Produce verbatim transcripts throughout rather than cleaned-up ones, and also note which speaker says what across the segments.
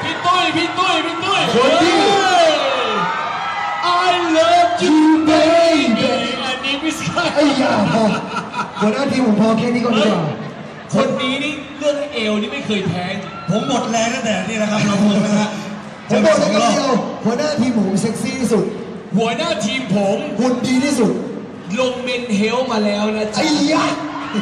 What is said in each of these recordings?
Speaker 1: พี่ตุ้ยพี่ตุ้ยพี่ตุ้ย
Speaker 2: คนที่
Speaker 1: I love you baby อันนี้ไม่ใช่
Speaker 2: ไอ้ยาพอหัวหน้าทีมผมพอแค่นี้ก่อนดีกว่า
Speaker 1: คนนี้นี่เรื่องเอวนี่ไม่เคยแพ้
Speaker 3: ผมหมดแรงตั้งแต่นี่นะครับเราพงนะฮะ
Speaker 2: ผมบอกเลยกันเดียวหัวหน้าทีมผมเซ็กซี่ที่สุด
Speaker 1: หัวหน้าทีมผม
Speaker 2: หุ่นดีที่สุด
Speaker 1: ลงเมนเฮลมาแล้วนะจ๊ะ
Speaker 2: ไอ้ยา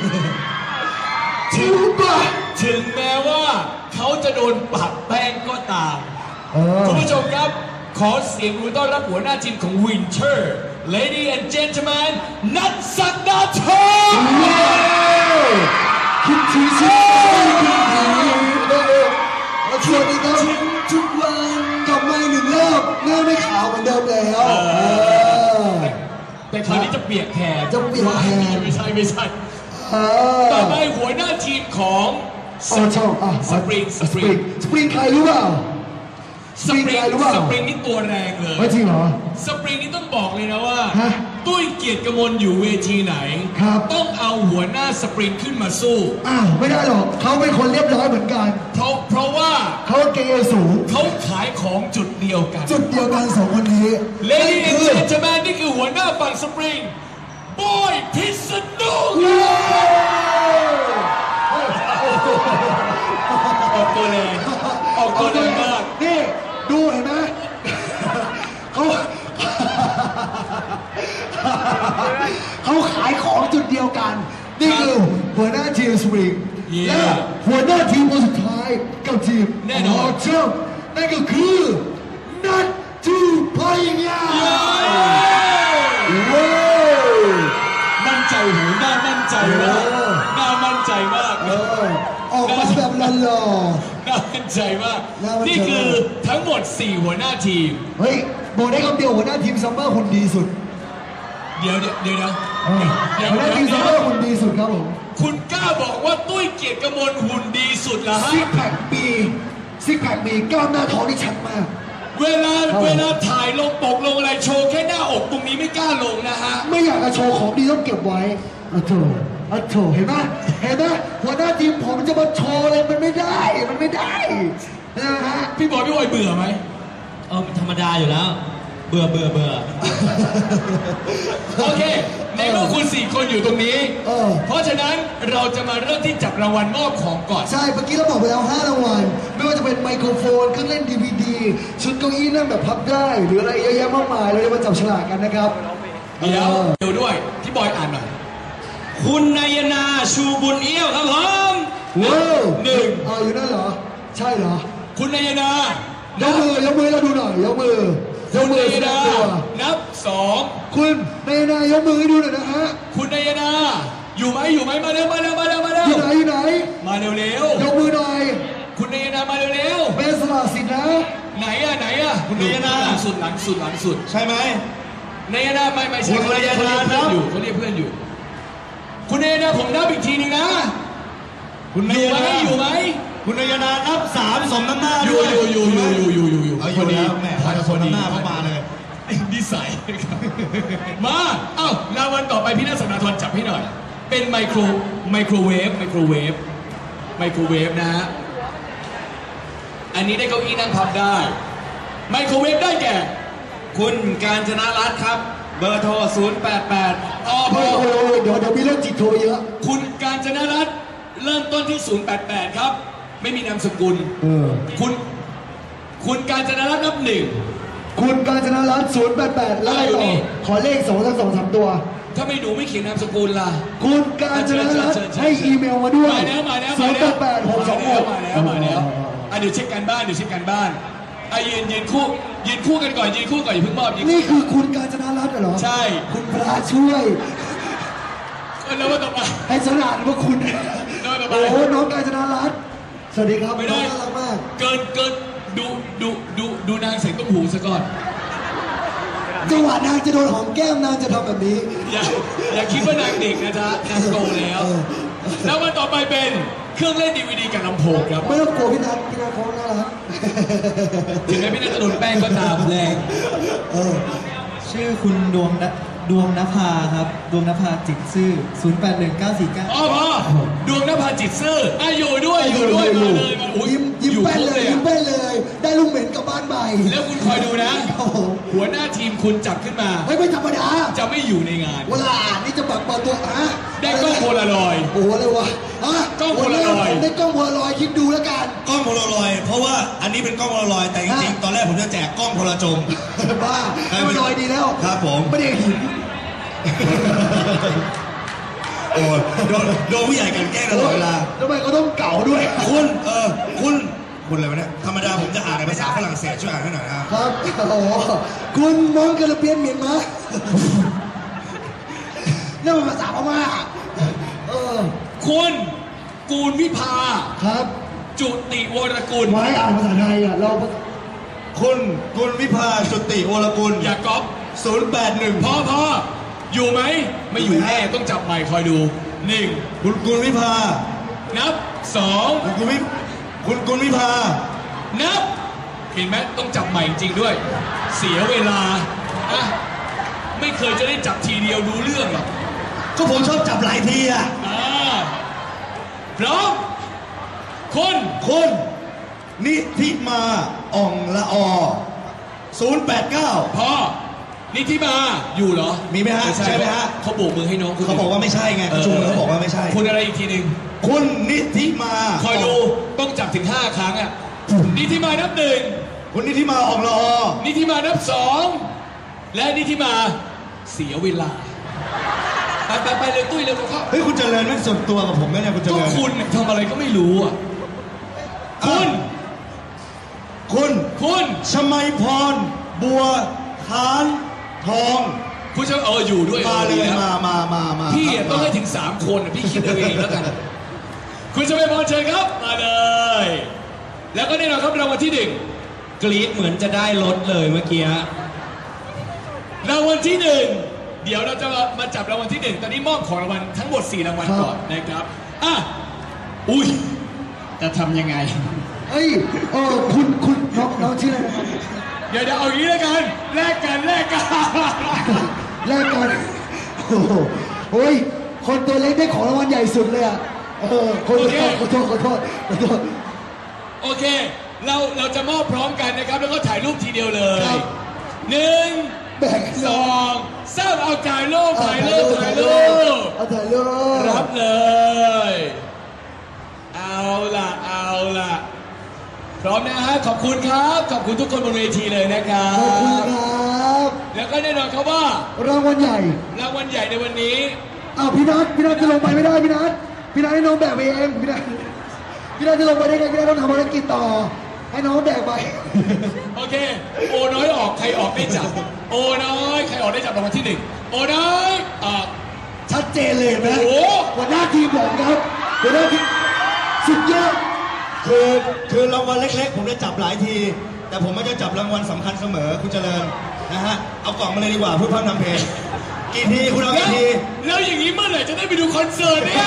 Speaker 1: ถึงป่ะถึงแม้ว่าเขาจะโดนปรับแป้งก็ตามคุณผู้ชมครับขอเสียงปรบมือต้อนรับหัวหน้าทีมของ Winter Lady and Gentlemen นัทศักดาธร
Speaker 2: คิดถึงฉันคิดถึงสวัสดีครับทุกวันกลับมาหนึ่งรอบหน้าไม่ขาวเหมือนเดิมแล้ว
Speaker 1: แต่คราวนี้จะเปียกแขน
Speaker 2: จะเปียกแขน
Speaker 1: ไม่ใช่ไม่ใช่ต่อไปหัวหน้าทีมของ
Speaker 2: สปริงสปริงสปริงใครรู้เปล่า
Speaker 1: สปริงสปริงนี่ตัวแรงเลย
Speaker 2: ไม่จริงเหรอ
Speaker 1: สปริงนี่ต้องบอกเลยนะว่าตุ้ยเกียรติกมลอยู่เวทีไหนต้องเอาหัวหน้าสปริงขึ้นมาสู้
Speaker 2: อ้าวไม่ได้หรอกเขาเป็นคนเรียบร้อยเหมือนกัน
Speaker 1: เพราะเพราะว่า
Speaker 2: เขาเกย์สูง
Speaker 1: เขาขายของจุดเดียวกัน
Speaker 2: จุดเดียวกันสองคนนี้
Speaker 1: เลดี้แอนด์เจนเทลแมนนี่คือหัวหน้าฝั่งสปริงบอยพิษณุออกตัวแรงออกตัวแรงมาก
Speaker 2: นี่ดูเห็นไหมเขาเขาขายของจุดเดียวกันนี่คือหัวหน้าทีมสปริงและหัวหน้าทีมคนสุดท้ายกับทีม
Speaker 1: แน่นอน
Speaker 2: เจ้านั่นก็คือนัทจูพยา
Speaker 1: มั่นใจหูน่ามั่นใจมากน่ามั่นใจมาก
Speaker 2: ออกมาแบบหล่อ
Speaker 1: น่ามั่นใจมากนี่คือทั้งหมดสี่หัวหน้าทีม
Speaker 2: เฮ้ยบอกได้คำเดียวหัวหน้าทีมซัมเมอร์คนดีสุด
Speaker 1: เดี๋ยวเดี๋ยวเดี๋ยว
Speaker 2: เดี๋ยวหัวหน้าทีมซัมเมอร์คนดีสุดครับผม
Speaker 1: คุณกล้าบอกว่าตุ้ยเกียรติกมลหุ่นดีสุดเหรอฮะ
Speaker 2: ซิกแพคมีซิกแพคมีกล้ามหน้าท้องที่ชัดมาก
Speaker 1: เวลาเวลาถ่ายลงปกลงอะไรโชว์แค่หน้าอกตรงนี้ไม่กล้าลงนะฮะ
Speaker 2: ไม่อยากจะโชว์ของดีต้องเก็บไว้อะโถอะโถเห็นไหมเห็นไหมหัวหน้าทีมผมจะมาโชว์อะไรมันไม่ได้มันไม่ได้นะฮะ
Speaker 1: พี่บอยพี่บอยเบื่อไหม
Speaker 3: เออธรรมดาอยู่แล้วเบื่อเบื่อเบื่อ
Speaker 1: โอเคในเมื่อคุณสี่คนอยู่ตรงนี้เพราะฉะนั้นเราจะมาเริ่มที่จับรางวัลมอบของก่อน
Speaker 2: ใช่เมื่อกี้เราบอกไปแล้วห้ารางวัลไม่ว่าจะเป็นไมโครโฟนเครื่องเล่นดีวีดีชุดเก้าอี้นั่งแบบพับได้หรืออะไรเยอะแยะมากมายเราจะมาจับฉลากกันนะครับ
Speaker 1: เดี๋ยวเดี๋ยวด้วยพี่บอยอ่านหน่อย
Speaker 3: คุณนายนาชูบุญเอี้ยวครับผม
Speaker 2: ว้าวหนึ่งอ๋ออยู่นั่นเหรอใช่เหรอ
Speaker 1: คุณนายนาย
Speaker 2: กมือยกมือเราดูหน่อยยกมือยกมือแสดงตัว
Speaker 1: นับสอง
Speaker 2: คุณนายนายกมือให้ดูหน่อยนะฮะ
Speaker 1: คุณนายนาอยู่ไหมอยู่ไหมมาเร็วมาเร็วมาเร็วมาเร็ว
Speaker 2: อยู่ไหนอยู่ไหน
Speaker 1: มาเร็วเร็วย
Speaker 2: กมือหน่อย
Speaker 1: คุณนายนามาเร็วเร็ว
Speaker 2: เป็นสละสิทธิ์นะ
Speaker 1: ไหนอะไหนอะคุณนายนาหลังสุดหลังสุดหลังสุด
Speaker 3: ใช่ไหม
Speaker 1: นายนาไม่ไม่ใช่คุณนายนาอยู่เขาเรียกเพื่อนอยู่คุณนายนาผมนับอีกทีนึงนะ
Speaker 3: คุณ
Speaker 1: อยู่ไหมอยู่ไหม
Speaker 3: คุณนายนานับสามสมน้ำหน้า
Speaker 1: อยู่อยู่อยู่อยู่อยู่อยู่อยู่อยู่
Speaker 3: พอดีแม่สมน้ำหน้าเข้ามาเลย
Speaker 1: ไอ้นิสัยมาเอ้ารางวัลต่อไปพี่นัทศักดาธรจับให้หน่อยเป็นไมโครไมโครเวฟไมโครเวฟไมโครเวฟนะฮะอันนี้ได้เก้าอี้นั่งพับได้ไมโครเวฟได้แก่
Speaker 3: คุณกาญจนารัตน์ครับเบอร์โทรศูนย์ แปด แปด
Speaker 2: อ๋อเดี๋ยวเดี๋ยวมีเรื่องจิตโทรเยอะ
Speaker 1: คุณกาญจนารัตน์เริ่มต้นที่ศูนย์ แปด แปดครับไม่มีนามสกุลคุณคุณกาญจนารัตน์นับหนึ่ง
Speaker 2: คุณกาญจนารัตน์ศูนย์ แปด แปดแล้วอะไรต่อขอเลขสองสักสองสามตัว
Speaker 1: ถ้าไม่หนูไม่เขียนนามสกุลล่ะ
Speaker 2: คุณกาญจนารัตน์ให้อีเมลมาด้วย
Speaker 1: มาแล้วมาแล้ว
Speaker 2: ศูนย์ แปด แปด หก สอง หก
Speaker 1: มาแล้วมาแล้วอ่ะเดี๋ยวเช็คกันบ้านเดี๋ยวเช็คกันบ้านอ่ะยืนยืนคู่ยืนคู่กันก่อนยืนคู่ก่อนอย่าเพิ่งมอบ
Speaker 2: นี่คือคุณกาญจนารัตน์เหรอ
Speaker 1: ใช่
Speaker 2: คุณพระช่วย
Speaker 1: แล้วว่าต่อไป
Speaker 2: ให้สนานว่าคุณโอ้โหน้องกาญจนารัตน์สวัสดีครับ
Speaker 1: ไม่ได้
Speaker 2: น่ารักมาก
Speaker 1: เกินเกินดูดูดูดูนางเสียงต้มหูซะก่อน
Speaker 2: จังหวะนางจะโดนหอมแก้มนางจะทำแบบนี้
Speaker 1: อย่าอย่าคิดว่านางเด็กนะจ๊ะนางโตแล้วแล้ววันต่อไปเป็นเครื่องเล่นดีวีดีกับลำโพงครับ
Speaker 2: ไม่ต้องกลัวพี่นัทพี่นัทเขาน่ารัก
Speaker 1: ถึงแม้พี่นัทจะโดนแป้งก็ตามแรง
Speaker 3: ชื่อคุณดวงดวงนภาครับดวงนภาจิตซื่อศูนย์ แปด หนึ่ง เก้า สี่ เก้า
Speaker 1: อ๋อพ่อดวงนภาจิตซื่ออ่ะอยู่ด้วยอยู่ด้วยมาเลยมา
Speaker 2: ยิ้มยิ้มแป้นเลยยิ้มแป้นเลยได้
Speaker 1: แล้วคุณคอยดูนะ
Speaker 2: ครับผม
Speaker 1: หัวหน้าทีมคุณจับขึ้นมา
Speaker 2: ไม่ไม่ธรรมดา
Speaker 1: จะไม่อยู่ในงาน
Speaker 2: เวลานี่จะแบบเปิดตัวฮะ
Speaker 1: ได้กล้องโพลารอยด์
Speaker 2: โอ้โหเลยวะฮะ
Speaker 1: กล้องโพลารอยด์
Speaker 2: ผมได้กล้องโพลารอยด์คิดดูแล้วกัน
Speaker 4: กล้องโพลารอยด์เพราะว่าอันนี้เป็นกล้องโพลารอยด์แต่จริงๆตอนแรกผมจะแจกกล้องโพลาจม
Speaker 2: บ้าให้มันลอยดีแล้ว
Speaker 4: ครับผม
Speaker 2: ไม่ได้หิน
Speaker 4: โอ้ยโดนโดนผู้ใหญ่กลันแกล้งตลอดเวลา
Speaker 2: ทำไมเขาต้องเก่าด้วย
Speaker 4: คุณเออคุณคุณอะไรวะเนี่ยธรรมดาผมจะอ่านในภาษาฝรั่งเศสช่วยอ่านให้หน่อยนะครับ
Speaker 2: ครับโอ้โหคุณน้องกระเปียนเหมียนมานั่นมันภาษาพม่าเออ
Speaker 1: คุณกูลวิภา
Speaker 2: ครับ
Speaker 1: จุติวรกุล
Speaker 2: ไว้อ่านภาษาไทยอ่ะเรา
Speaker 4: คุณคุณวิภาจุติวรกุล
Speaker 1: อย่าก๊อป
Speaker 4: ศูนย์แปดหนึ่ง
Speaker 1: พ่อพ่ออยู่ไหมไม่อยู่แน่ต้องจับใหม่คอยดูหนึ่ง
Speaker 4: คุณคุณวิภา
Speaker 1: นับสอง
Speaker 4: คุณคุณวิคุณคุณวิภา
Speaker 1: นับเห็นไหมต้องจับใหม่จริงด้วย เสียเวลาอะไม่เคยจะได้จับทีเดียวรู้เรื่องหรอก
Speaker 4: ก็ผมชอบจับหลายทีอ่ะ
Speaker 1: อ่าพร้อมคน
Speaker 4: คุณนิธิมาอ่องละอศูนย์แปดเก้า
Speaker 1: พ่อนิธิมาอยู่เหรอ
Speaker 4: มีไหมฮะ
Speaker 1: ใช่
Speaker 4: ใช่ไหมฮะ
Speaker 1: เขาโบกมือให้น้องคุณ
Speaker 4: เขาบอกว่าไม่ใช่ไงประชุมเขาบอกว่าไม่ใช่
Speaker 1: คุณอะไรอีกทีหนึ่ง
Speaker 4: คุณนิธิมา
Speaker 1: คอยดูต้องจับถึงห้าครั้งอ่ะนิธิมานับหนึ่ง
Speaker 4: คุณนิธิมาอ่องละอ
Speaker 1: นิธิมานับสองและนิธิมาเสียเวลาไปไปไปเลยตุ้ยเร็วเข้า
Speaker 4: เฮ้ยคุณเจริญไม่ส่วนตัวกับผมนะเนี่ยคุณเจ
Speaker 1: ก็
Speaker 4: ริญ
Speaker 1: คุณทำอะไรก็ไม่รู้อ่ะคุณ
Speaker 4: คุณ
Speaker 1: คุณ
Speaker 4: ชมัยพร บัวขานทอง
Speaker 1: คุณจะเอออยู่ด้วย
Speaker 4: มาเลย
Speaker 1: ออดีนะ
Speaker 4: มามามามา
Speaker 1: พี่
Speaker 4: ครับ
Speaker 1: ต้องให้ถึงสามคนอะพี่คิดเอาเองแล้วกัน คุณจะไปพรเชิญครับมาเลย แล้วก็แน่นอนครับรางวัลที่หนึ่ง
Speaker 3: กรี๊ดเหมือนจะได้รถเลยเมื่อกี้
Speaker 1: รางวัลที่หนึ่งเดี๋ยวเราจะมาจับรางวัลที่หนึ่งตอนนี้มอบของรางวัลทั้งหมดสี่รางวัลก่อนนะครับอ่ะอุ้ยจะทำยังไง
Speaker 2: เอ้ยเออคุณคุณน้องน้องชื่ออะไรนะครับ
Speaker 1: เดี๋ยวเดี๋ยวเอาอย่างนี้แล้วกันแลกกันแลกกัน
Speaker 2: แรกกันโอ้โหโอ้ยคนตัวเล็กได้ของรางวัลใหญ่สุดเลยอ่ะเออคนตัวเล็กขอโทษขอโทษขอโทษ
Speaker 1: โอเค เราเราจะมอบพร้อมกันนะครับ แล้วก็ถ่ายรูปทีเดียวเลย
Speaker 2: ครับ
Speaker 1: หนึ่ง
Speaker 2: แบ่ง
Speaker 1: สองสามเอาถ่ายรูปถ่ายรูปถ่ายรูป
Speaker 2: เอาถ่ายรูป
Speaker 1: รับเลย เอาล่ะเอาล่ะพร้อมนะฮะขอบคุณครับ ขอบคุณทุกคนบนเวทีเลยนะครั
Speaker 2: ขอบคุณ
Speaker 1: บ
Speaker 2: ครับ
Speaker 1: แล้วก็แน่นอนครับว่าร
Speaker 2: างวัลใหญ่
Speaker 1: รางวัลใหญ่ในวันนี้
Speaker 2: อ้าวพี่นัทพี่นัทจะลงไปไม่ได้พี่นัทพี่นัทให้น้องแบกไปเองพี่นัทพี่นัทจะลงไปได้ไงพี่นัทต้องทำภารกิจต่อ ให้น้องแบกไป
Speaker 1: โอเค โอน้อยออกใครออกได้จับ โอน้อยใครออกได้จับรางวัลที่หนึ่งโอน้อยออก
Speaker 2: ชัดเจนเลยเห็นไหม
Speaker 1: โอ้โห
Speaker 2: หัวหน้าทีมผมครับหัวหน้าทีมสุดยอด
Speaker 4: คือคือรางวัลเล็กๆ ผมได้จับหลายที แต่ผมไม่จะจับรางวัลสำคัญเสมอคุณเจริญนะฮะเอากล่องมาเลยดีกว่าเพื่อพัฒนำเพลงกี่ทีคุณเอา
Speaker 1: แล้ว
Speaker 4: กี่ที
Speaker 1: แล้วอย่างนี้เมื่อไหร่จะได้ไปดูคอนเสิร์ตเนี่ย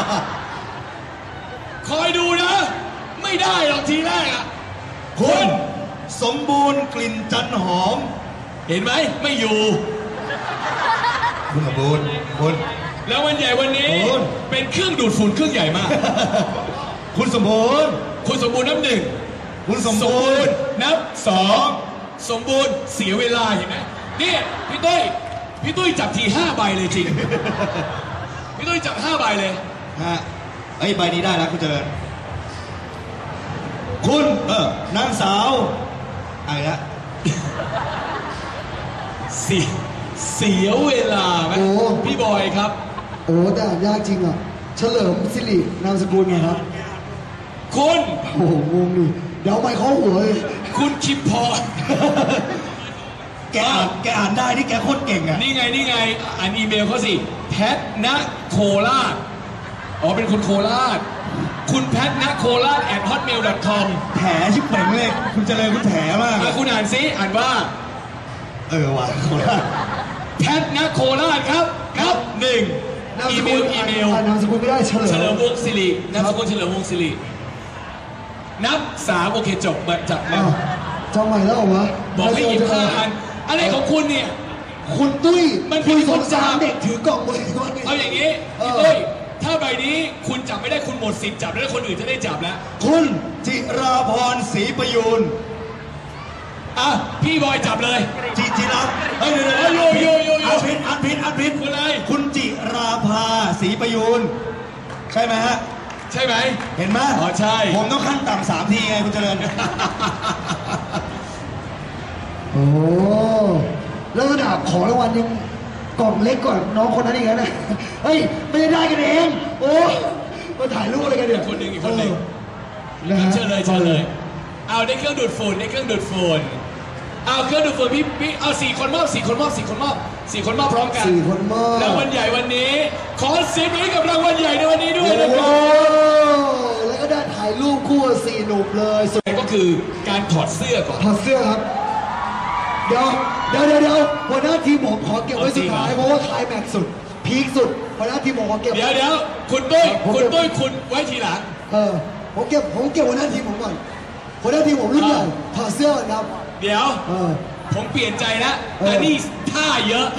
Speaker 1: คอยดูนะ ไม่ได้หรอกทีแรกอะ
Speaker 4: คุณสมบูรณ์กลิ่นจันหอม
Speaker 1: เห็นไหมไม่อยู่
Speaker 4: คุณสมบูรณ์คุณ
Speaker 1: แล้ววันใหญ่วันนี้
Speaker 4: โอ้ย
Speaker 1: เป็นเครื่องดูดฝุ่นเครื่องใหญ่มาก
Speaker 4: คุณสมบูรณ์
Speaker 1: คุณสมบูรณ์นับหนึ่ง
Speaker 4: คุณสมบูรณ์
Speaker 1: นับสองสมบูรณ์เสียเวลาเห็นไหมนี่พี่ตุ้ยพี่ตุ้ยจับทีห้าใบเลยจริง พี่ตุ้ยจับห้าใบเลย
Speaker 4: ฮะไอ้ยใบนี้ได้แล้วคุณเจริญคุณเออนางสาวอะไรละ
Speaker 1: เสียเสียเวลาไหม
Speaker 2: โอ้
Speaker 1: พี่บอยครับ
Speaker 2: โอ้แต่อ่านยากจริงอ่ะ เฉลิมสิรินามสกุลไงครับ
Speaker 1: คุณ
Speaker 2: โอ้โหงงดิเดี๋ยวเอาไปเข้าหัวเลย
Speaker 1: คุณคิมพร
Speaker 4: แกอ่านแกอ่านได้นี่แกโคตรเก่งอ่ะ
Speaker 1: นี่ไงนี่ไงอ่านอีเมลเขาสิแพทณโคราชอ๋อเป็นคนโคราช คุณแพทณโคราช at hotmail dot com
Speaker 4: แถชิบเป่งเลยคุณเจริญคุณแถมาก
Speaker 1: อ่ะคุณอ่านซิอ่านว่า
Speaker 4: เออว่ะโคราช
Speaker 1: แพทณโคราชครับครับหนึ่ง
Speaker 2: นาม
Speaker 1: อี
Speaker 2: ส
Speaker 1: เม
Speaker 2: กุ
Speaker 1: ล
Speaker 2: ล
Speaker 1: อีเมล
Speaker 2: อ่านนามสกุลไม่ได้เฉลิม
Speaker 1: เฉลิมวงศ์สิรินามสกุลเฉลิมวงศ์สิรินับสามโอเคจบมาจับแล้
Speaker 2: อ้าว วจำใหม่แล้วเหรอวะ
Speaker 1: บอกให้หยิบห้าอันอะไรของคุณเนี่ย
Speaker 2: คุณตุ้ย
Speaker 1: มัน
Speaker 2: คุ
Speaker 1: มี
Speaker 2: ย
Speaker 1: ค
Speaker 2: ส
Speaker 1: น
Speaker 2: งสาร
Speaker 1: จำ
Speaker 2: เด็กถือกล่องมือว่าไง
Speaker 1: เอาอย่างนี้
Speaker 2: เออ
Speaker 1: พี่ตุ้ยถ้าใบนี้คุณจับไม่ได้คุณหมดสิทธิ์จับแล้วคนอื่นจะได้จับแล้ว
Speaker 4: คุณจิราพรศรีประยูน
Speaker 1: อ่ะพี่บอยจับเลย
Speaker 4: จิจิราเฮ้ยเดี๋ยวเดี๋ยว
Speaker 1: โยโยโยโย
Speaker 4: อันพิษอันพิษอันพิษ
Speaker 1: คุณอะไร
Speaker 4: คุณจิราภาศรีประยูนใช่ไหมฮะ
Speaker 1: ใช่ไหม
Speaker 4: เห็นไหม
Speaker 1: อ๋อใช่
Speaker 4: ผมต้องขั้นต่ำสามทีไงคุณเจริญ
Speaker 2: โอ้แล้วระดับของรางวัลยังกล่องเล็กกว่าน้องคนนั้นอีกนะเฮ้ยไม่ได้ได้กันเองโอ้มาถ่ายรูปอะไรกันเนี่ย
Speaker 1: อีกคนหนึ่งอีกคนหนึ่ง
Speaker 2: นะฮะ
Speaker 1: เชิญเลยเชิญเลย เอาได้เครื่องดูดฝุ่นได้เครื่องดูดฝุ่นเอาเครื่องดูดฝุ่นพี่พี่เอาสี่คนมอบสี่คนมอบสี่คนมอบสี่คนมอบพร้อมกัน
Speaker 2: สี่คนมอบ
Speaker 1: รางวัลใหญ่วันนี้ ขอเสียงปรบมือกับรางวัลใหญ่ในวันนี้ด้วย
Speaker 2: โอ้
Speaker 1: นะครับ
Speaker 2: แล้วก็ได้ถ่ายรูปคู่กับสี่หนุ่มเลยสุด
Speaker 1: ก็คือการถอดเสื้อก่อน
Speaker 2: ถอดเสื้อครับ เดี๋ยวเดี๋ยวเดี๋ยวเดี๋ยวหัวหน้าทีมผมขอเก็บไว้สุดท้าย
Speaker 1: เอาจริงเหรอ
Speaker 2: เพราะว่าคลายแม็กซ์สุด พีคสุดหัวหน้าทีมผมขอเก็บ
Speaker 1: เดี๋ยวเดี๋ยวคุณตุ้ยคุณตุ้ยคุณไว้ทีหลัง
Speaker 2: เออผมเก็บผมเก็บหัวหน้าทีมผมก่อนหัวหน้าทีมผมรุ่นใหญ่ถอดเสื้อก่อนครับ
Speaker 1: เดี๋ยว
Speaker 2: เออ
Speaker 1: ผมเปลี่ยนใจแล้ว
Speaker 2: เออ
Speaker 1: แต่นี่ท่าเยอะ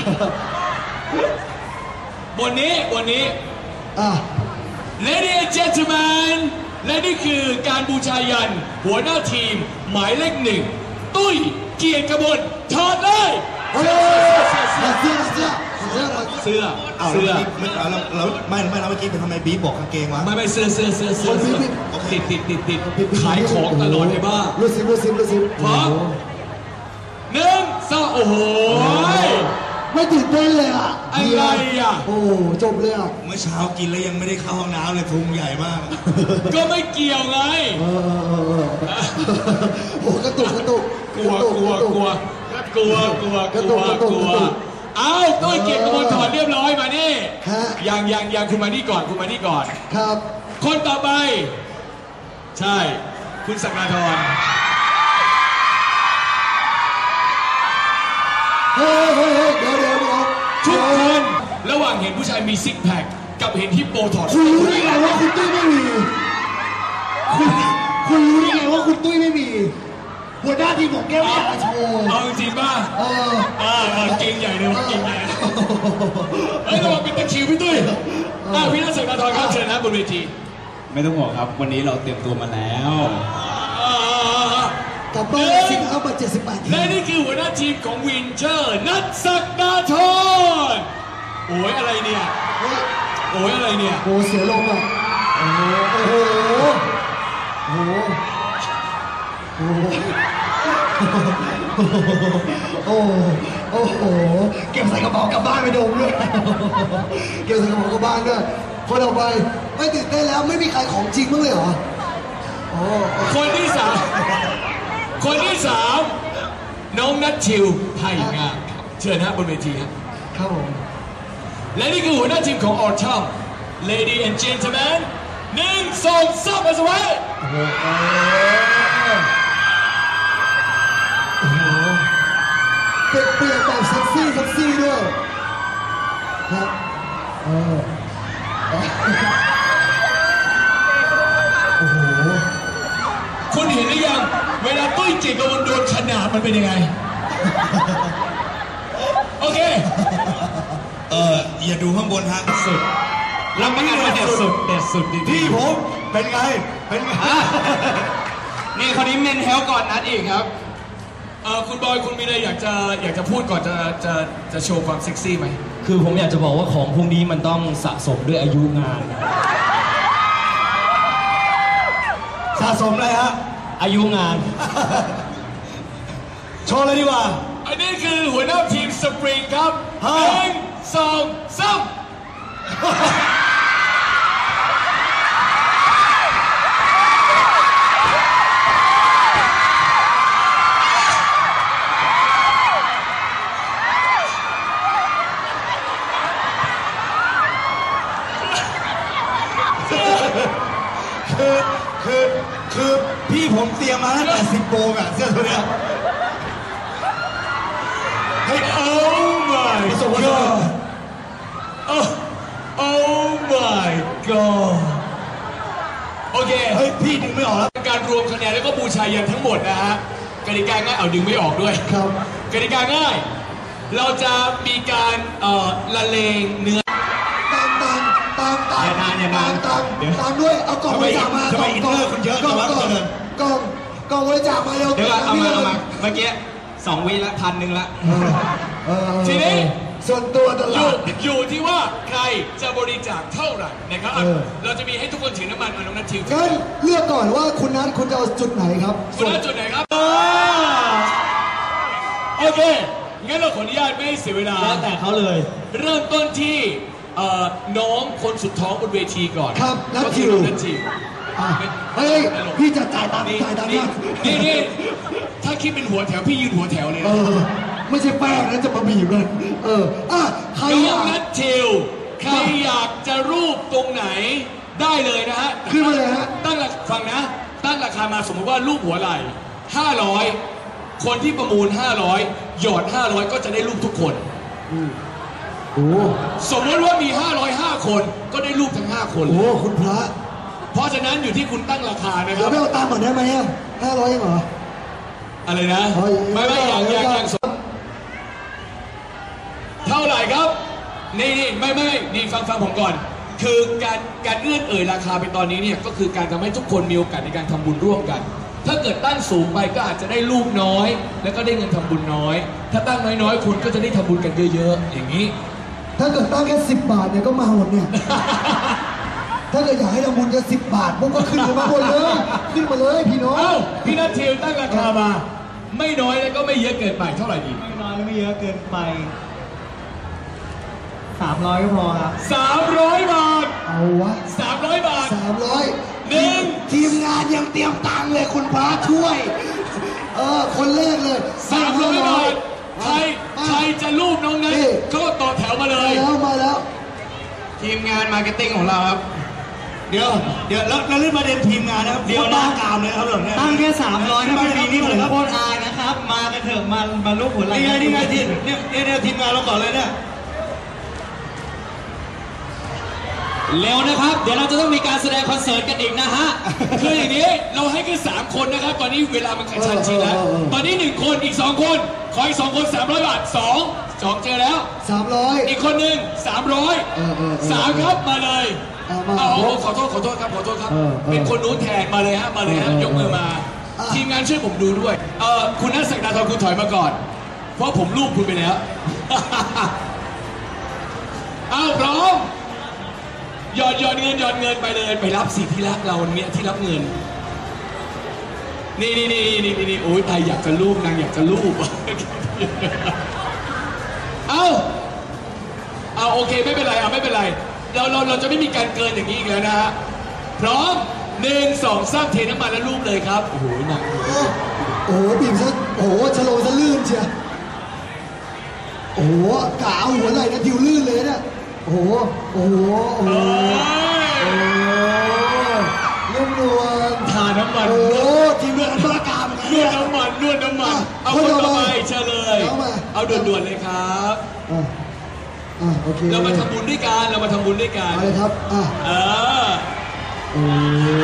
Speaker 1: บนนี้บนนี้
Speaker 2: อ่ะ
Speaker 1: Ladies and gentlemen และนี่คือการบูชายันหัวหน้าทีมหมายเลขหนึ่งตุ้ยเกียรติกมลถอดเลย
Speaker 2: เฮ้ยถอดเสื้อถอดเสื้อถอดเสื้อถอดเสื้อ
Speaker 1: เสื้อ
Speaker 4: เอา
Speaker 1: เสื้อ
Speaker 4: แล้วเมื่อกี้เราเราไม่ไม่เราเมื่อกี้เป็นทำไมบีบบอกกางเกงวะ
Speaker 1: ไม่ไม่เสื้อเสื้อเสื้อเสื้อเสื้อติดติดติดติดขายของตลอดเลยบ้า
Speaker 2: รู้สิรู้สิรู้สิ
Speaker 1: พร้อม หนึ่งสองโอ้โห
Speaker 2: ไม่ตื่นเต้นเลยอ่ะ
Speaker 1: อะไรอ่ะ
Speaker 2: โอ้จบเลยอ่ะ
Speaker 4: เมื่อเช้ากินแล้วยังไม่ได้เข้าห้องน้ำเลยพุงใหญ่มาก
Speaker 1: ก็ไม่เกี่ยวไง
Speaker 2: เออเออเออเออโอ้กระตุกกระตุก
Speaker 1: กลัวกลัวกลัวกลัวกลัวกลัวกลัวเอาตุ้ยเกียรติกมลถอดเรียบร้อยมานี่
Speaker 2: ฮะ
Speaker 1: ยังยังยังคุณมานี่ก่อนคุณมานี่ก่อน
Speaker 2: ครับ
Speaker 1: คนต่อไป ใช่ คุณศักดาธร
Speaker 2: เฮ้ยเฮ้ยเฮ้ยเดี๋ยวเดี๋ยวเดี๋ยว
Speaker 1: ทุกคนระหว่างเห็นผู้ชายมีซิกแพคกับเห็นฮิปโปถอด
Speaker 2: คุณรู้ได้ไงว่าคุณตุ้ยไม่มีคุณคุณรู้ได้ไงว่าคุณตุ้ยไม่มีหัวหน้าทีมผมแก้วอยากจะโชว์
Speaker 1: เอาจริงป่ะ
Speaker 2: เออ
Speaker 1: อ่าอ่าเก่งใหญ่เลยว่ะเก่งใหญ่เฮ้ยระวังเป็นตะคริวพี่ตุ้ยอ่าพี่นัทศักดาธรครับเชิญนะบนเวที
Speaker 5: ไม่ต้องห่วงครับ วันนี้เราเตรียมตัวมาแล้ว
Speaker 1: อ่าอ่าอ่าก
Speaker 2: ลับบ้านสิครับมาเจ็ดสิบแปดที
Speaker 1: และนี่คือหัวหน้าทีมของวินเชอร์นัทศักดาธรโอ้ยอะไรเนี่ย
Speaker 2: เฮ้ย
Speaker 1: โอ้ยอะไรเนี่ย
Speaker 2: โอ้เสียลมอ่ะโอ้โหโอ้โหโอ้โหโอ้โหโอ้โหโอ้โหเก็บใส่กระเป๋ากลับบ้านไปดมด้วยเก็บใส่กระเป๋ากลับบ้านด้วยคนต่อไปไม่ตื่นเต้นแล้วไม่มีใครของจริงมั้างเลยเหรอโอ้
Speaker 1: คนที่สามคนที่สามน้องนัทชิวไทยงามเชิญนะบนเวทีครับ
Speaker 2: ครับผม
Speaker 1: และนี่คือหัวหน้าทีมของออร์ชัม Lady and Gentlemen หนึ่งสองสามมาสวัสดี
Speaker 2: โอ้โหโอ้โหเปลี่ยนเปลี่ยนแบบเซ็กซี่เซ็กซี่ด้วยครับเออโอ้โห
Speaker 1: คุณเห็นหรือยัง เวลาตุ้ยเกียรติกมลโดนขนาดมันเป็นยังไง โอเค
Speaker 4: เอออย่าดูข้างบนฮะ
Speaker 1: สุดรับประกันว่าเด็ดสุดเด็ดสุดจริงๆ
Speaker 4: พี่ผมเป็นไง เป็นไง
Speaker 5: อ่ะ นี่คนนี้เมนเฮลก่อนนัดอีกครับ
Speaker 1: เออคุณบอยคุณมีอะไรอยากจะอยากจะพูดก่อนจะจะจะโชว์ความเซ็กซี่ไหม
Speaker 5: คือผมอยากจะบอกว่าของพวกนี้มันต้องสะสมด้วยอายุงาน
Speaker 4: สะสมเลยฮะ
Speaker 5: อายุงาน
Speaker 4: โชว์เลยดีกว่า
Speaker 1: อันนี้คือหัวหน้าทีมสปริงครับห
Speaker 4: ฮะ
Speaker 1: นึ่งสองสาม
Speaker 4: คือคือคือพี่ผมเตรียมมาตั้งแต่สิบโมงอ่ะเสื้อตัวเนี้ยเฮ้ย
Speaker 1: Oh my
Speaker 4: พี่ส่งมาส่งมา
Speaker 1: god Oh Oh my god โอเค
Speaker 4: เฮ้ยพี่ดึงไม่ออกแล้ว
Speaker 1: การรวมคะแนนแล้วก็บูชายันทั้งหมดนะฮะกติกาง่ายเอาดึงไม่ออกด้วย
Speaker 2: ครับ
Speaker 1: กติกาง่าย เราจะมีการเอ่อละเลงเนื้อ
Speaker 2: ตามตามตามตาม
Speaker 5: อย่านานอย่านาน
Speaker 2: ตาม
Speaker 5: เดี๋ยว
Speaker 2: ตามด้วยเอากล่อง
Speaker 4: ทำไม
Speaker 2: ไปจับมา
Speaker 4: ทำไม
Speaker 2: กล่อง
Speaker 4: อินเนอร์คุณเยอะ
Speaker 2: กล่อง
Speaker 4: จังวะ
Speaker 2: กล่อง
Speaker 4: เจริญ
Speaker 2: กล่องกล่องบริจาคมาเร็ว
Speaker 5: เดี๋ยวก่อนเอามา
Speaker 2: พี่
Speaker 5: เอามาเมื่อกี้สองวิละพันหนึ่งละ
Speaker 2: เออเออเออ
Speaker 1: ทีนี้
Speaker 2: ส่วนตัวต
Speaker 1: อ
Speaker 2: ลา
Speaker 1: ยู่
Speaker 2: ด
Speaker 1: อยู่ที่ว่าใครจะบริจาคเท่าไหร่นะครับ
Speaker 2: เออ
Speaker 1: เราจะมีให้ทุกคนถือน้ำมันมาน้องนัททิว
Speaker 2: งั้นเลือกก่อนว่าคุณนัทคุณจะเอาจุดไหนครับ
Speaker 1: คุณนัทจุดไหนครับโอเคงั้นเราขออนุญาตไม่ให้เสียเวลา
Speaker 5: แล้วแต่เขาเลย
Speaker 1: เริ่มต้นที่เอ่อน้องคนสุดท้องบนเวทีก่อน
Speaker 2: ครับนัท
Speaker 1: ก็
Speaker 2: ทิ
Speaker 1: คือ
Speaker 2: ว
Speaker 1: น้องนัททิว
Speaker 2: อ่ะเฮ้ยพี่จะจ่ายตังค์
Speaker 1: นี่
Speaker 2: จ่ายตังค์
Speaker 1: นี่
Speaker 2: นะ
Speaker 1: นี่นี่ถ้าคิดเป็นหัวแถวพี่ยืนหัวแถวเลย
Speaker 2: เอ
Speaker 1: นะ
Speaker 2: อไม่ใช่แป้งนะจะมาบีบกันเอออ่ะใคร
Speaker 1: น้
Speaker 2: อ
Speaker 1: อง
Speaker 2: ยาก
Speaker 1: นัททิวใครอยากจะรูปตรงไหนได้เลยนะฮะ
Speaker 2: ขึ้นมาเลยฮะ
Speaker 1: ตั้งราคาฟังนะ ตั้งราคามาสมมติว่ารูปหัวไหล่ห้าร้อยคนที่ประมูลห้าร้อยหยอดห้าร้อยก็จะได้รูปทุกคน
Speaker 2: โอ้
Speaker 1: สมมติว่ามีห้าร้อยห้าคนก็ได้รูปทั้งห้าคน
Speaker 2: โห
Speaker 1: เลย
Speaker 2: คุณพระ
Speaker 1: เพราะฉะนั้นอยู่ที่คุณตั้งราคานะค
Speaker 2: เดี๋ย
Speaker 1: รั
Speaker 2: ว
Speaker 1: บ
Speaker 2: ไม่เอาตังค์ก่อนได้ไหมอ่ะห้าร้อยยังเหรอ
Speaker 1: อะไรนะ
Speaker 2: อ๋อ
Speaker 1: ไม่ไม่อย่างอย่างอย่างสมเท่าไหร่ครับนี่นี่ไม่ไม่นี่ฟังฟังผมก่อน คือการการเอื้อนเอ่ยราคาไปตอนนี้เนี่ยก็คือการทำให้ทุกคนมีโอกาสในการทำบุญร่วมกัน ถ้าเกิดตั้งสูงไปก็อาจจะได้รูปน้อย แล้วก็ได้เงินทำบุญน้อย ถ้าตั้งน้อยๆคุณก็จะได้ทำบุญกันเยอะๆอย่างนี้
Speaker 2: ถ้าเกิดตั้งแค่สิบบาทเนี่ยก็มาหมดเนี่ย ถ้าเกิดอยากให้ทำบุญจะสิบบาทพวกก็ขึ้นมาหมดเลย ขึ้นมาเลยพี่น้อง
Speaker 1: เอ้าพี่นัททิวตั้งราคามา ไม่น้อยแล้วก็ไม่เยอะเกินไปเท่าไหร่ดี
Speaker 3: ไม่น้อยและไม่เยอะเกินไปสามร้อยก็พอครับ
Speaker 1: สามร้อยบาท
Speaker 2: เอาวะ
Speaker 1: สามร้อยบาท
Speaker 2: สามร้อย
Speaker 1: หนึ่ง
Speaker 2: ทีมงานยังเตรียมตังค์เลยคุณพระช่วย เออ คนแรกเลย
Speaker 1: สามร้อยบาทใครใครจะรูปน้องนั้นก็ต่อแถวมาเล
Speaker 2: มาย แล้วมาแล้ว
Speaker 5: ทีมงานมาร์เก็ตติ้งของเราครับ
Speaker 4: เดี๋ยวเดี๋ยวแล้วแล้วเรื่องประเด็นทีมงานนะครับเดี๋ยวหน้ากามเลยนะครับเรื่องเนี้ย
Speaker 3: ตั้งแค่สามร้อยถ้า
Speaker 4: ไม่
Speaker 3: ไม่
Speaker 4: มี
Speaker 3: มี
Speaker 4: นี่
Speaker 3: นี่
Speaker 4: หม
Speaker 3: ผ
Speaker 4: ดเลย
Speaker 3: ม
Speaker 4: ครับ
Speaker 3: โคตรอายนะครับ มากันเถอะมามาลูกหัวไหล่
Speaker 4: นี่ไงนี่ไงทีมเนี่ยเนี่ยเนี่ยทีมงานเราก่อนเลยเนี่ย
Speaker 5: เร็วนะครับ เดี๋ยวเราจะต้องมีการแสดงคอนเสิร์ตกันอีกนะฮะ
Speaker 1: คืออย่างนี้เราให้แค่สามคนนะครับ ตอนนี้เวลามันกระชันชิดแล้ว
Speaker 2: เออเออเออ
Speaker 1: ตอนนี้หนึ่งคนอีกสองคนขออีกสองคนสามร้อยบาทสองสองเจอแล้ว
Speaker 2: สามร้อย
Speaker 1: อีกคนหนึ่งสามร้อย
Speaker 2: เออเออเออ
Speaker 1: สามครับมาเลย
Speaker 2: เอามา
Speaker 1: เอาเอาขอโทษขอโทษครับขอโทษครับ
Speaker 2: เออเออ
Speaker 1: เป็นคนนู้นแทนมาเลยฮะมาเลยฮะ
Speaker 2: เออเออย
Speaker 1: กมือมา
Speaker 2: อ่ะ
Speaker 1: ทีมงานช่วยผมดูด้วยเออคุณนัทศักดาธรคุณถอยมาก่อน เพราะผมรูปคุณไปแล้ว เอาพร้อมหยอดหยอดเงินหยอดเงินไปเลยไปรับสิที่รักเราเนี่ยที่รับเงิน นี่นี่นี่นี่นี่นี่โอ้ยตายอยากจะรูปนางอยากจะรูป เอาเอาโอเคไม่เป็นไรเอาไม่เป็นไรเราเราเราจะไม่มีการเกินอย่างนี้อีกแล้วนะฮะพร้อมหนึ่งสองสามเทน้ำมันแล้วรูปเลยครับโอ้โหหนัก
Speaker 2: โอ้โหบีบซะโอ้โหชะโลซะลื่นเชียวโอ้โหกะเอาหัวไหล่นะทิวลื่นเลยเนี่ยโอ้โหโอ้โหโอ้โห
Speaker 1: เอ้ย
Speaker 2: นุ่มนวล
Speaker 1: ทาน้ำมัน
Speaker 2: โอ้โหทีมเรืออันตรากาม
Speaker 1: น
Speaker 2: เนี่
Speaker 1: วย ดน้ำมันนวดน้ำมัน
Speaker 2: อ่ะ
Speaker 1: เอา
Speaker 2: ค
Speaker 1: คน น
Speaker 2: ต่
Speaker 1: ต่
Speaker 2: อ
Speaker 1: อ
Speaker 2: ไป
Speaker 1: ไปเชิญเลย
Speaker 2: เอามา
Speaker 1: เอาด่วนๆเลยครับ
Speaker 2: อ่ะอ่ะโอเค
Speaker 1: เรามาทำบุญด้วยกันเรามาทำบุญด้วยกัน
Speaker 2: เอาเลยครับอ่ะ
Speaker 1: เออ
Speaker 2: โอ้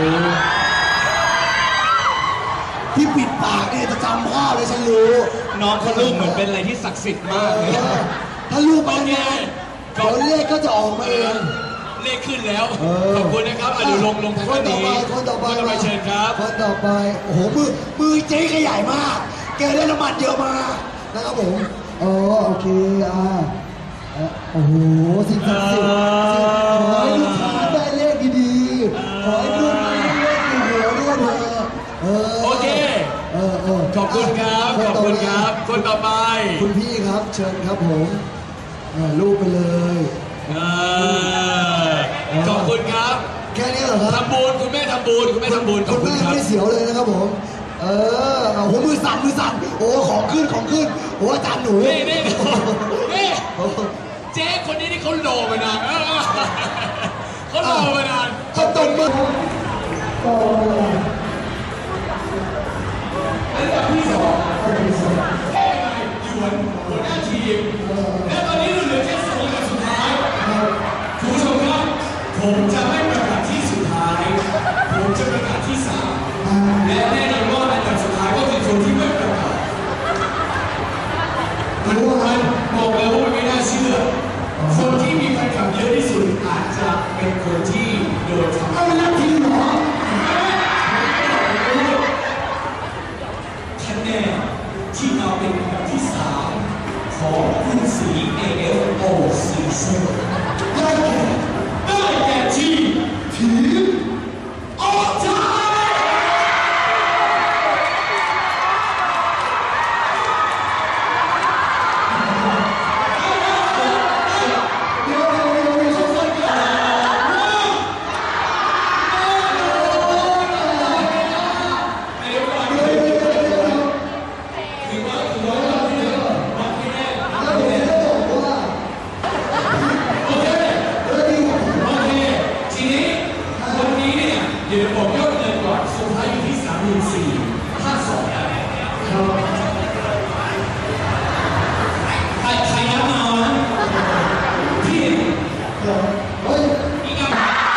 Speaker 2: ที่ปิดปากเนี่ยจะจำภาพเลยฉันรู้
Speaker 5: น้องเขารูปเหมือนเป็นอะไรที่ศักดิ์สิทธิ์มากเลย
Speaker 2: เออถ้าลูกไป
Speaker 1: โอเค
Speaker 2: เนี่ยเดี๋ยวเลขก็จะออกมาเอง
Speaker 1: เลขขึ้นแล้ว
Speaker 2: เออ
Speaker 1: ขอบคุณนะครับอ่ะเดี๋ยวลงลงทาง
Speaker 2: คน
Speaker 1: ด้าน
Speaker 2: ต่อ
Speaker 1: นี้
Speaker 2: ไปคนต่อไป
Speaker 1: คนต่อไปเชิญครับ
Speaker 2: คนต่อไปโอ้โหมือมือเจ๊ขยายมาก แกได้น้ำมันเยอะมากนะครับผมอ๋อโอเคอ่าอ่ะโอ้โหสิ่งศักดิ์สิทธิ์ขอให้ลูกค้าได้เลขดีๆขอให้ลูกค้าได้เลขดีหัวด้วยเถอะเออ
Speaker 1: โอเค
Speaker 2: เออเออ
Speaker 1: ขอบคุณครับ
Speaker 2: น
Speaker 1: ขอบ
Speaker 2: ต่
Speaker 1: คุณ
Speaker 2: ไป
Speaker 1: ครับ คนต่อไป
Speaker 2: คุณพี่ครับเชิญครับผมอ่ารูปไปเลย
Speaker 1: เออขอบคุณครับ
Speaker 2: แค่นี้เหรอครับ
Speaker 1: ทำบุญคุณแม่ทำบุญคุณแม่ทำบุญข
Speaker 2: คุ
Speaker 1: อบ
Speaker 2: ณ
Speaker 1: คุณ
Speaker 2: แม่
Speaker 1: ครับ
Speaker 2: ไม่เสียวเลยนะครับผม เออโอ้โหมือสั่นมือสั่นโอ้ของขึ้นของขึ้นโอ้อาจารย์หนู
Speaker 1: นี่นี่นี่
Speaker 2: โอ้โห
Speaker 1: เจ๊คนนี้นี่เขาโลมานานเออเขาโลมานาน
Speaker 2: เขาตบมือ
Speaker 1: อันดับที่สองแค่ไหนหยวนหัวหน้าทีมและตอนนี้เหลือแค่สองคนสุดท้ายคุณผู้ชมครับผมจะไม่ประกาศที่สุดท้าย ผมจะประกาศที่สามและแน่นอนว่าอันดับสุดท้ายก็คือคนที่ไม่ประกาศมันมันบอกเลยว่ามันไม่น่าเชื่อคนที่มีแฟนคลับเยอะที่สุดอาจจะเป็นคนที่โดนทำ
Speaker 2: เอาแล้วทีมเหรอ
Speaker 1: คที่มาเป็นอันดับที่สามของคุณสี เอ เอฟ โอ Season ได้แก่ได้แก่ทีมทีมออกใจเดี๋ยวบอกยอดเงินก่อนสุดท้ายอยู่ที่สามหมื่นสี่ห้าสองใครใครนับมานะพี่เฮ้ยอีกอ่ะ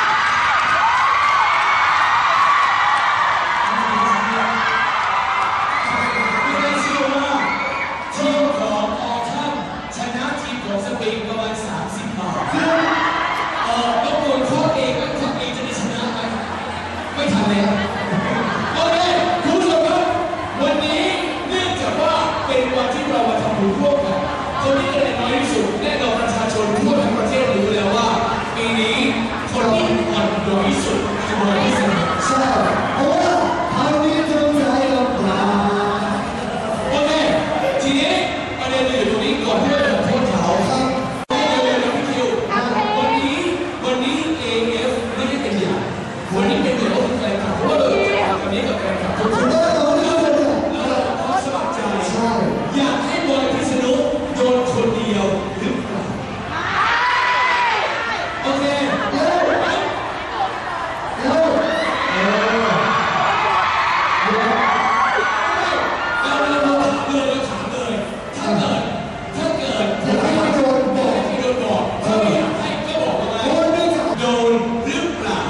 Speaker 1: ไม่ได้เชื่อว่าทีมของออทัมชนะทีมของสปริงประมาณสามสิบบาทเออต้องโดนข้อเองแล้วข้อเองจะได้ชนะไหมไม่ทันแล้วโอเคคุณผู้ชมครับวันนี้เนื่องจากว่าเป็นวันที่เรามาทำบุญร่วมกันคนที่คะแนนน้อยที่สุดแน่นอนประชาชนทั่วทั้งประเทศรู้แล้วว่าปีนี้คนที่อ่อนน้อยที่สุดคือน้อยที่สุดใช่เพราะว่าทางนี้จงใจลำบากโอเคทีนี้ประเด็นอยู่ตรงนี้ก่อนที่เราจะโทษเขาครับเร็วๆนะพี่คิววันนี้วันนี้ เอ เอฟ ไม่ได้เป็นอย่างวันนี้เป็นเหมือนว่าแฟนคลับเพราะว่าเราวันนี้กับแฟนคลับทุกคนเราเราสมัครใจอยากให้บอยพิษณุโดนคนเดียวหรือเปล่าโอเคเร็วเร็วเร็วเราเราถามเลยเราถามเลยถ้าเกิดถ้าเกิดอยากให้โดนบอกให้โดนบอกถ้าไม่อยากให้ก็บอกว่าโดนหรือเปล่า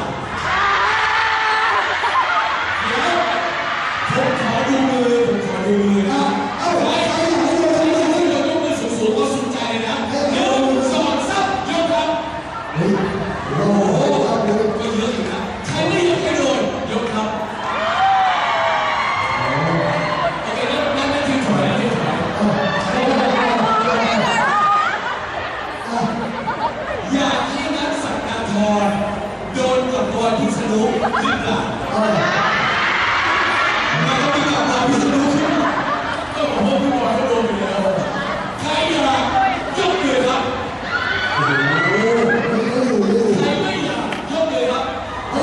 Speaker 1: ผมขอดูมือผมขอดูมือนะเอาไว้ใครอยากให้โดนใครอยากให้โดนยกมือสูงๆก็สุดใจเลยนะหนึ่งสองสามยกครับโอ้โหก็เยอะอยู่นะใครไม่อยากให้โดนยกครับโอเคนั่นนั่นนั่นคือถอยนะที่ถอยอยากให้นักสักนาธรโดนกับบอยพิษณุหรือเปล่ามันก็มีกับบอยพิษณุก็บอกว่าพี่บอยก็โดนอยู่แล้วใครอยากยกมือครับใครไม่อยากยกมือครับ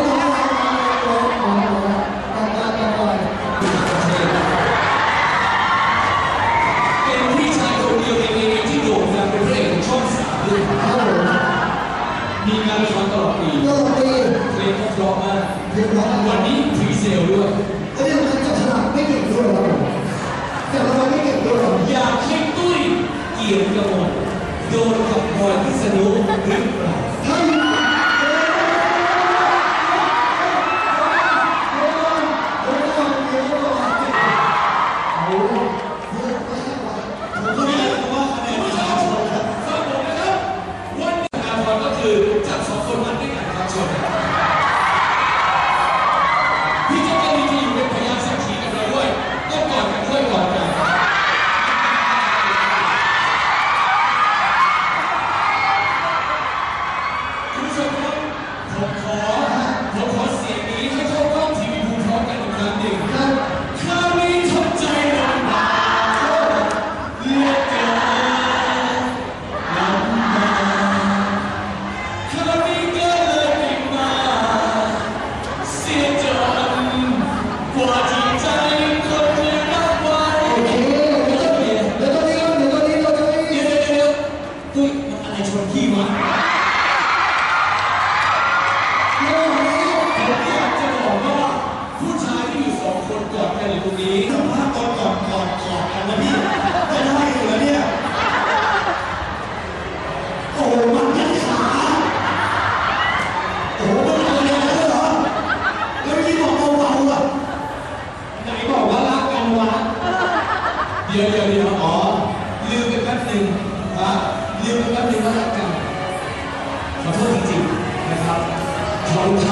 Speaker 1: เป็นพี่ชายคนเดียวในเอเอฟที่โด่งดังเป็นพระเอกของช่องสามด้วยมีงานละครตลอดปีเพลงก็เพราะมากวันนี้พรีเซลด้วยอยากให้ตุ้ยเกียรติกมลโดนกับบอยพิษณุหรือเปล่าก็คือจับสองคนนั้นด้วยกันครับชนพี่จะเป็นที่อยู่เป็นพยานสักขีกันด้วยต้องกอดกันด้วยกอดกันคุณผู้ชมครับผมขอผมขอเสียงนี้ให้เข้ากล้องทีวีภูพร้อมกันอีกครั้งหนึ่งคราวนี้ทำใจลำบากเลือกเกินลำบากคราวนี้ก็เลยไม่มาเสียจนกว่าที่ใจคนจะรับไว้เดี๋ยวเดี๋ยวเดี๋ยวเดี๋ยวเดี๋ยวเดี๋ยวตุ้ยมันอะไรชนพี่วะผมอยากจะบอกว่าผู้ชายที่อยู่สองคนกอดกันอยู่ตรงนี้สัมภาษณ์ตอนก่อนก่อนก่อนกันนะพี่จะได้อยู่แล้วเนี่ยโอ้มันยันขาโอ้มันอะไรกันเหรอแล้วพี่บอกเบาๆอ่ะไหนบอกว่ารักกันวะเดี๋ยวเดี๋ยวเดี๋ยวอ๋อลืมไปแป๊บหนึ่งอ่ะลืมไปแป๊บหนึ่งว่ารักกันขอโทษจริงๆนะครับขอ